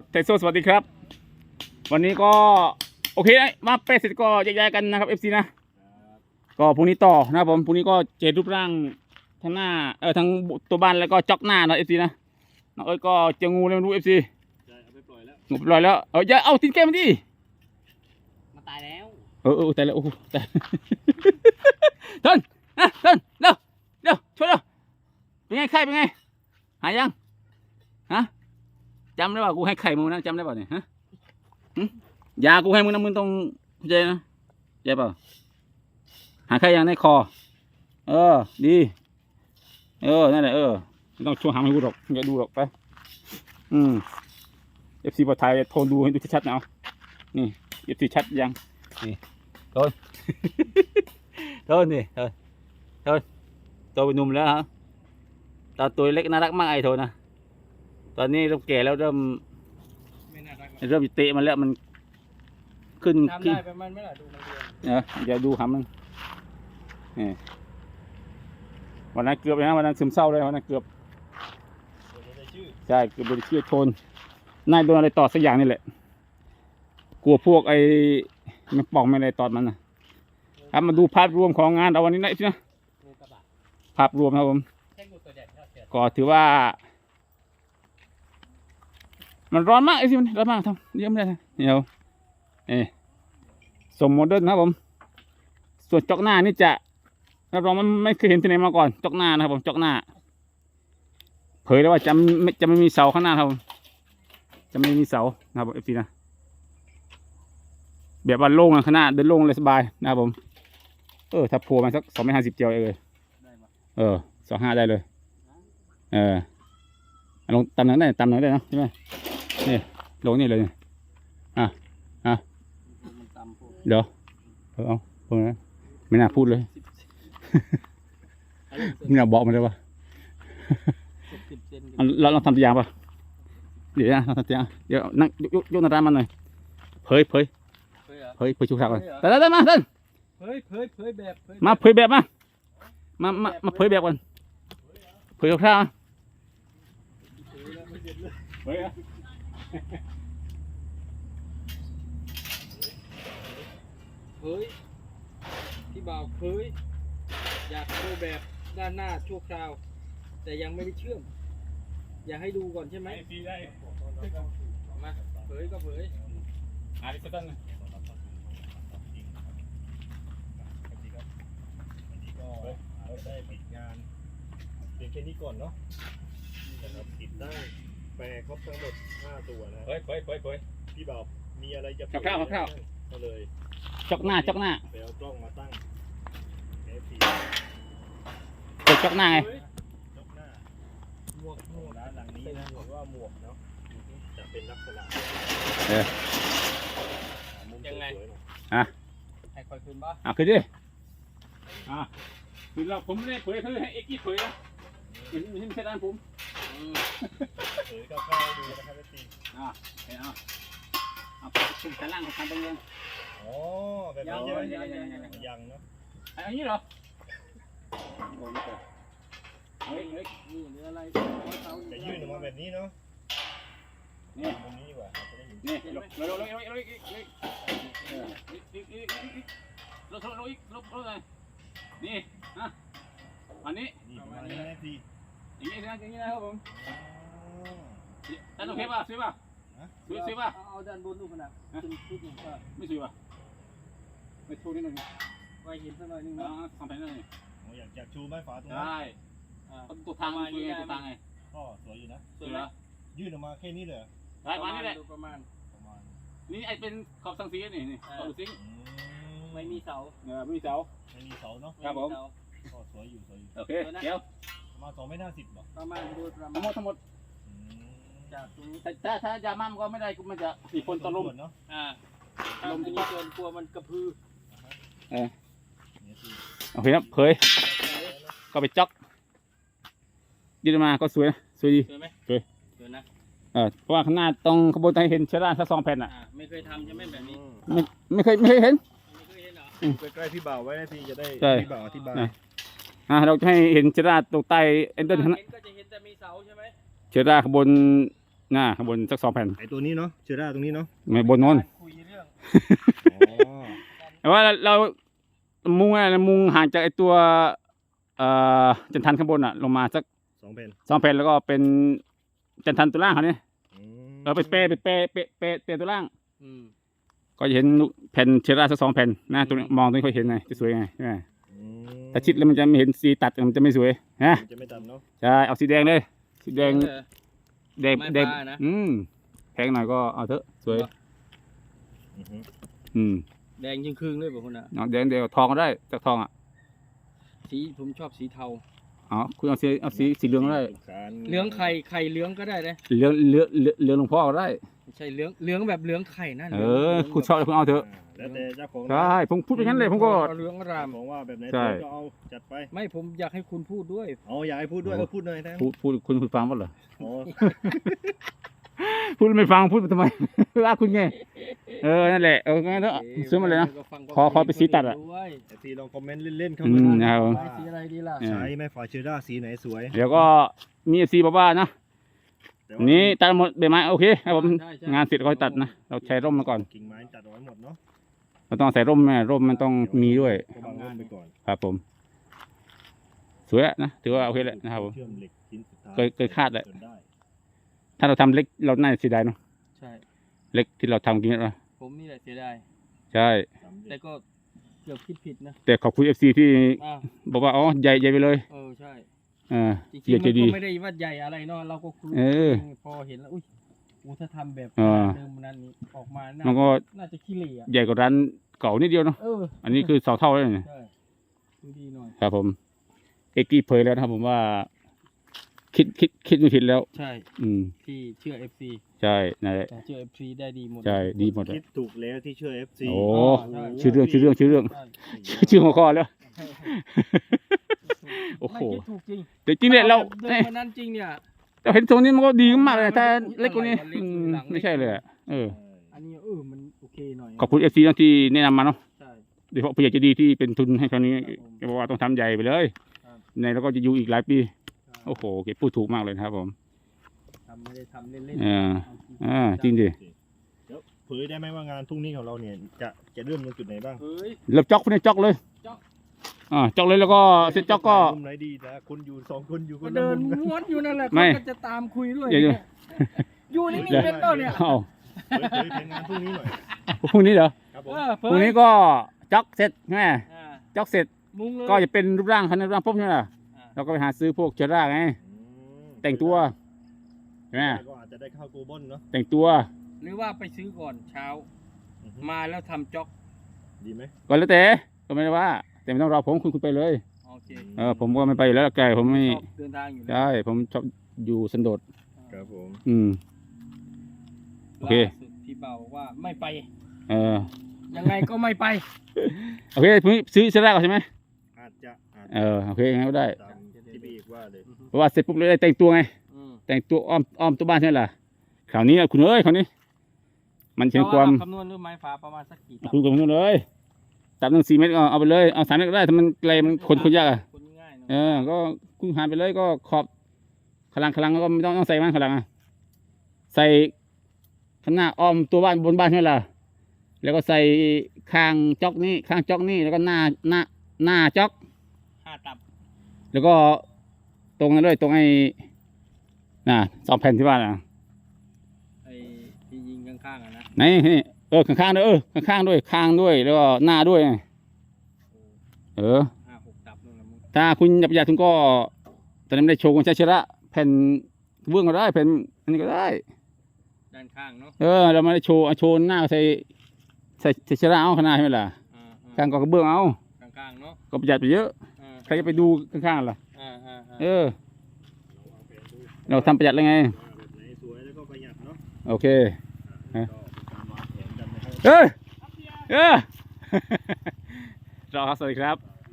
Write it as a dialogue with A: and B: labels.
A: เทโซสวัสดีครับวันนี้ก็โอเคมาเปเสร็จก็แยกย้ายกันนะครับ FC นะก็พรุ่งนี้ต่อนะครับผมพรุ่งนี้ก็เจรูปร่างทั้งหน้าทั้งตัวบ้านแล้วก็จ็อกหน้านะ FC นะน้องเอ้ยก็เจองูแล้วไม่รู้ FC
B: ใช่เอาไปปล่อยแล้ว
A: งูไปปล่อยแล้วอย่าเอาทิ้งแก้มมันดิ
C: มาตายแล้ว
A: ตายแล้วโอ้โหตายเดินเดินเร็วช่วยเร็วเป็นไงไข่เป็นไงหายยังฮะจำได้ป่ะกูให้ไข่มึงนะจำได้ป่ะเนี่ยฮะยากูให้มึงนะมึงต้องเข้าใจนะเข้าใจป่ะหาไข่ยังในคอดีนั่นแหละไม่ต้องช่วยหาให้กูหรอกอย่าดูหรอกไปFC ปลอดภัยโทรดูให้ดูชัดๆนะเอานี่ FC ชัดยังนี่โทนนี่โทนโตเป็นหนุ่มแล้วฮะตอนตัวเล็กน่ารักมากไอ้โทนนะตอนนี้เริ่มแก่แล้วเริ่ม
C: ไม่น่ารัก
A: เริ่มเตะมันแล้วมันขึ้น
C: ทำได้ประมาณไม่ล่ะดูมันเรียน
A: อย่าดูหำมันนี่วันนั้นเกือบเลยนะวันนั้นซึมเศร้าเลยวันนั้นเกือบ
B: ตัวนี้ได้ชื่อ
A: ใช่เกือบโดนเชือกชนนายโดนอะไรตอดสักอย่างนี่แหละกลัวพวกไอ้ไม่ป่องไม่อะไรตอดมันนะครับมาดูภาพรวมของงานเอาวันนี้นะนะ
C: งูกระบะ
A: ภาพรวมครับผม
C: แค่งูตัวใหญ่เท่าเสือ
A: ก็ถือว่ามันร้อนมากไอ้สิมันร้อนมากทำเยอะไม่ได้นะเดี๋ยวสมโมเดิร์นนะครับผมส่วนจอกหน้านี่จะรับรองมันไม่เคยเห็นที่ไหนมาก่อนจอกหน้านะครับผมจอกหน้าเผยแล้วว่าจะไม่มีเสาข้างหน้าครับผมจะไม่มีเสานะครับผมเอฟซีนะแบบว่าโล่งข้างหน้าเดินโล่งเลยสบายนะครับผมถ้าโผล่มาสัก250เจียวเลย
C: ได้ปะ
A: 25ได้เลยลงตำหนังได้ตำหนังได้นะใช่ไหมนี่ลงนี่เลย
C: มันตำพวก
A: เดี๋ยวเอาพวกนั้นไม่น่าพูดเลยไม่น่าบอกมันเลยว่า
C: 10 เซน
A: เราทำตัวอย่างป่ะเดี๋ยวนะเราทำตัวอย่างเดี๋ยวนั่งยกหน้าร้านมันหน่อยเผยชุกฉากก่อนได้มาเดิน
C: เผยแบบ
A: มาเผยแบบมาเผยแบบก่อนเผยคร่าวๆเผยอะ
C: พี่บ่าวเผยอยากโชว์แบบด้านหน้าชั่วคราว แต่ยังไม่ได้เชื่อมอยากให้ดูก่อนใช่ไหม
A: ซีได้
C: มาเผยก็เผย
A: อาริสตัน
B: วันนี้ก็เราได้ปิดงานเพียงแค่นี้ก่อนเนาะนะครับติดตั้งแปรครบทั้งหมด5ตัวนะ
A: เผย
B: พี่บ่าวมีอะไรจะ
A: คร่าวๆ
B: ก็เลย
A: จอกหน้า
B: ไปเอากล้องมาตั้ง FP
A: เปิดจอกหน้าไง
B: ยกหน้าหมวกร้านหลังนี้นะผมว่าหมวกเนาะจะเป็นลักษณะมุมสวยๆหน่อย
C: ให้คอยคืนบ้า
A: ขึ้นดิคือเราผมไม่ได้เผยคือให้เอ็กกี้เผยนะไม่ใช่ด้านผม
B: เผยคร่าวๆดูนะครับพี่
A: เอาชุมชั้นล่างของการตรงนี้
B: อ๋อแบบนี้ใช่ไหมยังเนาะ
A: อันนี้เหรอเฮ้ย
C: นี่หรืออะไรเขา
B: จะยื่นออกมาแบบนี้เนาะ
A: นี่
B: ตรงนี้ดีกว่าจะได้เห็น
A: นี่ลงเลยนี่อันนี้
B: นี่ประมาณนี้นะพี่
A: อย่างนี้นะครับผมแต่ต้องเทป่ะสวยป่ะสวยป่ะ
C: เอาด้านบนดูขนาดขึ้นชุดหนึ่งก็
A: ไม่สวยป่ะไม่ชูนิดนึง
C: ไว้เห็นสักหน่อยนึง
A: อ๋อ
C: นะ
A: สองแผ่นเลย
B: อยากชูไม้ฝาตรงนั้น
A: ได้ตัวทางมันคือไงตัวทางไง
B: ก็สวยอยู่นะ
A: สวยเหรอ
B: ยื่นออกมาแค่นี้เลย
A: ได้มานี่แหละ
C: ประมาณ
B: ประมาณ
A: นี่ไอเป็นขอบสังสีนี่ขอบซิง
C: ไม่มีเสา
A: ไม่มีเสา
B: ไม่มีเสาเนาะ
A: ครับผม
B: ก็สวยอยู่
A: โอเคเดี๋ยว
B: ประมาณ2.50 เนาะ
C: ประมาณโดยประมาณ
A: ทั้งหมด
C: จากตรงนี้
A: ถ้ายามั่มก็ไม่ได้มันจะมีคนตะลุม
B: เนาะ
C: ลมที่นี่เกินกลัวมันกระพือ
A: โอเคครับเผยก็ไปจ็อกยืดมาก็สวยสวยดี
C: สวยไหม
A: สวย
C: สวยนะ
A: เพราะว่าข้างหน้าตรงขบวนการเห็นเชื้อราสัก2 แผ่นอ่ะ
C: ไม่เคยทำใช่ไหมแบบนี้
A: ไม่เคยเห็น
C: ไม่เคยเห็นเหรอ
B: ใกล้ๆพี่บ่าวไว้นะพี่จะได้
A: ใช่
B: พี่บ่าวอธิบาย
A: เราจะให้เห็นเชื้อราตรงใต้เอ็นเดอร์ข้างหน้า
C: เห็นก็จะเห็นแต่มีเสาใช่ไหม
A: เชื้อราขบวนหน้าข้างบนสัก2 แผ่น
B: ไอตัวนี้เนาะเชอร่าตรงนี้เนาะ
A: ไม่บนโน้น
C: คุยเรื่อง
B: อ๋อ
A: แต่ว่าเรามุงอะไรมุงห่างจากไอตัวจันทันข้างบนอ่ะลงมาสัก
B: 2 แผ่น
A: 2 แผ่นแล้วก็เป็นจันทันตัวล่างเขาเนี่ย
B: อืม
A: ไปเปย์ตัวล่าง
C: อืม
A: ก็จะเห็นแผ่นเชอร่าสัก2 แผ่นนะตรงนี้มองตรงนี้ค่อยเห็นไงจะสวยไงใช่ไหม
B: อืม
A: แต่ชิดแล้วมันจะไม่เห็นสีตัดมันจะไม่สวยฮะ
B: มันจะไม่ตัดเนาะ
A: ใช่เอาสีแดงเลยสีแดง
C: เออ
A: แดง
C: ไม่
A: แดง
C: ฟ้านะ
A: แพงหน่อยก็เอาเถอะสวย
B: อือฮึ
C: แดงยิ่งครึ่งเลยแบบคนน่ะ
A: เอาแดงเดียวทองก็ได้จากทองอ่ะ
C: สีผมชอบสีเทา
A: อ๋อคุณเอาสีเหลืองก็ได้
B: สุขสันต์
C: เหลืองไข่เหลืองก็ได้นะ
A: เหลืองหลวงพ่อก็ได้
C: ไม่ใช่เหลืองแบบเหลืองไข่นั่น
A: เออคุณชอบคุณเอาเถอะ
B: แล้วแต่เจ้าของ
A: ใช่ผมพูดไปงั้นเลยผมก็
C: เหลืองอาราม
B: ของว่าแบบไหน
A: ใช่
B: ก็เอาจัดไป
C: ไม่ผมอยากให้คุณพูดด้วย
B: เอาอยากให้พูดด้วยก็พูดหน่อยนะ
A: พูดคุณฟังว่าเหรอ
B: อ๋อ
A: พูดไม่ฟังพูดไปทำไม ว่าคุณไงนั่นแหละงั้นเถอะซื้อมาเลยนะ ขอไปสีตัดอะ
C: ด้วย
B: แต่ทีลองคอมเมนต์เล่นๆเข้า
A: อื
B: มาม
A: นะครับ
C: ไม้สีอะไรดีล่ะ
A: เออ
B: ใช้ไหมฝาเชอร่าสีไหนสวย
A: เดี๋ยวก็มีซีบอกว่านะ
B: แต่
A: วันนี้ตัดหมดใบไม้โอเคครับผม
C: ใช่ใช่
A: งานเสร็จก็ค่อยตัดนะเราใช้ร่มมาก่อน
B: กิ่งไม้ตัดเอาไว้หมดเนาะ
A: เราต้องใส่ร่มแม่ร่มมันต้องมีด้วย
B: ก็บางร่มไปก่อน
A: ครับผมสวยอะนะถือว่าโอเคแหละนะครับผม
B: เชื่อมเหล็กชิ้นสุดท้าย
A: เคยคาดแหละ
B: จนได้
A: ถ้าเราทำเล็กเราน่าจะเสียดายเนาะ
C: ใช่
A: เล็กที่เราทำกินนะ
C: ผมนี่แหละเสียดาย
A: ใช่
B: สำเร็
C: แต่
B: จ
C: ก็เกือบคิดผิดนะ
A: แต่ขอบคุณ FC ที่
C: อ้าว
A: บอกว่าอ๋อใหญ่ไปเลย
C: ใช่ จริง
A: เกียร
C: ๆ
A: ใจ
C: มัน
A: ดี
C: ก็ไม่ได้ว่าใหญ่อะไรเนาะเราก็คุย
A: เออ
C: พอเห็นแล้วอุ้ยถ้าทำแบบ
A: เออ
C: เดิมนั้นนี้ออกมา
A: มันก็
C: น่าจะขี้เหร่อะ
A: ใหญ่กว่าร้านเก่านิดเดียวเนาะ อันนี้คือ2 เท่าเลยเนี่ย
C: ใช่ดูดีหน่อย
A: ครับผมเอกกี้เผยแล้วนะครับผมว่า คิดไม่ผิดแล้ว
C: ใช่
A: อืม
C: ที่เชื่อ FC
A: ใช่นั่นแหละ
C: แต่เชื่อ FC ได้ดีหมด
A: ใช่ดีหมดเลย
B: คิดถูกแล้วที่เชื่อ FC
A: โอ้
C: ใช่
A: ชื่อเรื่อง
C: ใช่
A: ชื่อหัวข้อแล้ว โอ้โห
C: ไม่คิดถูกจริง
A: แต่จริงเนี่ยเรา
C: เดินมานั้นจริงเนี่ย
A: เราเห็นตรงนี้มันก็ดีมากเลยถ้าเล็กกว่านี้
C: มันเล็ก หลังเล็ก
A: ไม่ใช่เลยอะเออ
C: อันนี้มันโอเคหน่อย
A: ขอบคุณ FC นะที่แนะนำมาเนาะ
C: ใช่
A: โดยเฉพาะผู้ใหญ่ใจดีที่เป็นทุนให้ครั้งนี้
C: ครับผม
A: แกบอกว่าต้องทำใหญ่ไปเลย
C: ครับ
A: ในแล้วก็จะอยู่อีกหลายปี โอ้โหแกพูดถูกมากเลยนะครับผม
C: ทำไม่ได้ทำเล่น
A: เออ
C: ๆเอาจริง
A: จริงดิ
B: เดี๋ยวเผยได้ไหมว่างานพรุ่งนี้ของเราเนี่ยจะเริ่มตรงจุดไหนบ้าง
C: เฮ้ย
A: เริ่มจ็อกคนนี้จ็อกเลย
C: จ๊อก
A: จ็อกเลยแล้วก็เสร็จจ็อกก็
B: มุมไหนดีนะคุณอยู่2 คนอยู่ค
C: ก็
B: นละ
C: เดิน
B: มุมกัน
C: ม้วนอยู่นั่นแหละ
A: ไม่
C: เขาก็จะตามคุยด้วย
A: เดี๋ยว
C: อยู่นิ่งๆเป็นต้นเนี่ย
A: เอ้า
B: เผยงานพรุ่งนี้หน่อย
A: พรุ่งนี้เหรอ
B: ครับผม
A: พรุ่งนี้ก็จ็อกเสร็จแม่
C: อ่า
A: จ็อกเสร็จ
C: มุงเลย
A: ก็จะเป็นรูปร่างคันรูปร่างปุ๊บใช่ไหมล่ะ
C: อ่า
A: เราก็ไปหาซื้อพวกเจอร่าไง แต่งตัวใช่ไหม
B: ก็อาจจะได้เข้าโกลบอลเนาะ
A: แต่งตัว
C: หรือว่าไปซื้อก่อนเช้า
B: อือฮึ
C: มาแล้วทำจ็อก
B: ดีไหม
A: ก็แล้วแต่ก็ไม่ได้ว่า แต่ไม่ต้องรอผมคุณไปเลย
C: โอเค
A: ผมก็ไม่ไปอยู่แล้วไกลผมไม่
C: ชอบเดินทางอยู่แล้ว
A: ใช่ผมชอบอยู่สันโดษ
B: ครับผม
A: โอเค
C: ล่าสุดพี่เบาบอกว่าไม่ไป ยังไงก็ไม่ไป
A: โอเคพรุ่งนี้ซื้อเสื้อแรกก่อนใช่ไหม
B: อาจจะ
A: โอเคงั้นก็ได้
B: ตามที่พี่เอกว่าเลย
A: เพราะว่าเสร็จปุ๊บเลยได้แต่งตัวไง
C: อืม
A: แต่งตัวอ้อมตัวบ้านใช่ไหมล่ะคราวนี้คุณเอ้ยคราวนี้ มันเห็นความ
C: คำนวณด้วยไม้ฟ้าประมาณสักกี่ตับ
A: คุณกับคุณเลยตับหนึ่ง4 เมตรก็เอาไปเลยเอา3 เมตรก็ได้ถ้ามันไกลมันคนยากอ่ะ
C: คนง่ายเนอะ
A: ก็คุณหาไปเลยก็ขอบขลังก็ไม่ต้องใส่มันขลังอ่ะใส่ข้างหน้าอ้อมตัวบ้านบนบ้านใช่ไหมล่ะแล้วก็ใส่ข้างจ็อกนี่แล้วก็หน้าจ็อก
C: 5 ตับ
A: แล้วก็ตรงนั้นด้วยตรงไอ้2 แผ่นที่บ้านอ่ะ
C: ไอ้ที่ยิงข้างๆอะนะ
A: ไหนนี่ข้างๆด้วยข้างๆด้วยข้างด้วยแล้วก็หน้าด้วย
C: 5-6 ตับนู่นนะมึง
A: ถ้าคุณอยากคุณก็ตอนนี้ไม่ได้โชว์คุณใช้เชระแผ่นเบื้องก็ได้แผ่นอันนี้ก็ได้
C: ด้านข้างเนาะ
A: เราไม่ได้โชว์หน้าใส่เชระเอาขางหนาดใช่ไหมล่ะ
C: อ่า
A: ข้างก็กระเบื้องเอา
C: ข้างๆเนาะ
A: ก็ประหยัดไปเยอะใครจะไปดูข้างๆล่ะ เราทำประหยัดเลยไง
B: ว่าแบบไหนสวยแล้วก็ประหยัดเนาะ
A: โอเค
B: ก็เป็นการวางแผนกันนะครับ
A: รอครับสวัสดีครับ
B: ครับ